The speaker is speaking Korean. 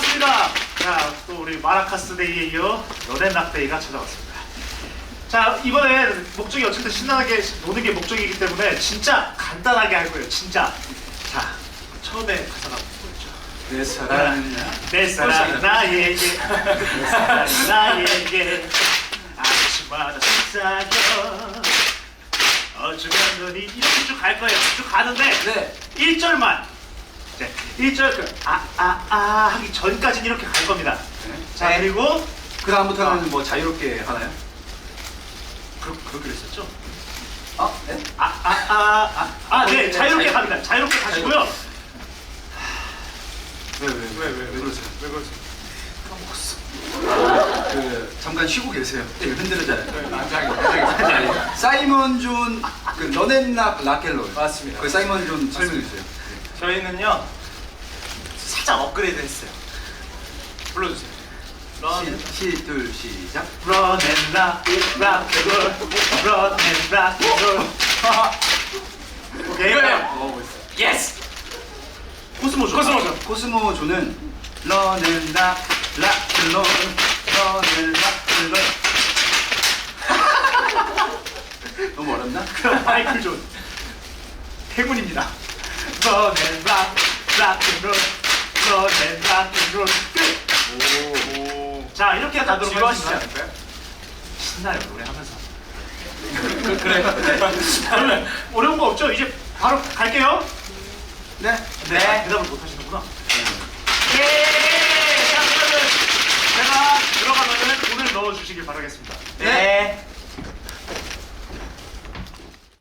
반갑습니다. 자, 또 우리 마라카스 데이에 이어 너넨락데이가 찾아왔습니다. 자, 이번에 목적이 어쨌든 신나게 노는 게 목적이기 때문에 진짜 간단하게 할 거예요. 진짜. 자, 처음에 가사가 뭐였죠? 내 사랑이야. 내 사랑 나에게, 내 사랑 나에게 아침마다 속삭여. 어쩌면 너니 이렇게 쭉 갈 거예요. 쭉 가는데 네. 1절만. 이제 1절 그 하기 전까지는 이렇게 갈 겁니다. 네. 자, 네. 그리고 그 다음부터는 뭐 자유롭게 하나요? 그렇게 했었죠? 네? 네, 자유롭게 갑니다. 자유롭게 가시고요. 왜 그러세요? 왜 그러세요? 그 잠깐 쉬고 계세요. 지금 흔들리잖아요. 난장이. 사이먼 존 그 너넨락 라켈로. 맞습니다. 그 사이먼 존 설명해 주세요. 저희는요 살짝 업그레이드 했어요. 불러주세요. 둘 시작. Run and rock, rock and roll. Run and rock and roll. 오케이. 이거예요. 예스. 코스모죠. 코스모죠. 코스모 존은 너넨락 라켈로 너넨락 켈로. 너무 어렵나? 그럼 마이클 존. 행운입니다. Run and rock, rock and roll. Run and rock and roll. 끝. 오. 자, 이렇게 가도록 지루하시지 하겠습니다. 않을까요? 신나요, 노래하면서. 그래. 그러면 어려운 거 없죠? 이제 바로 갈게요. 네. 네. 대답을 못 하시는구나. 예! 자, 그러면 제가 들어가면은 돈을 넣어주시길 바라겠습니다. 네.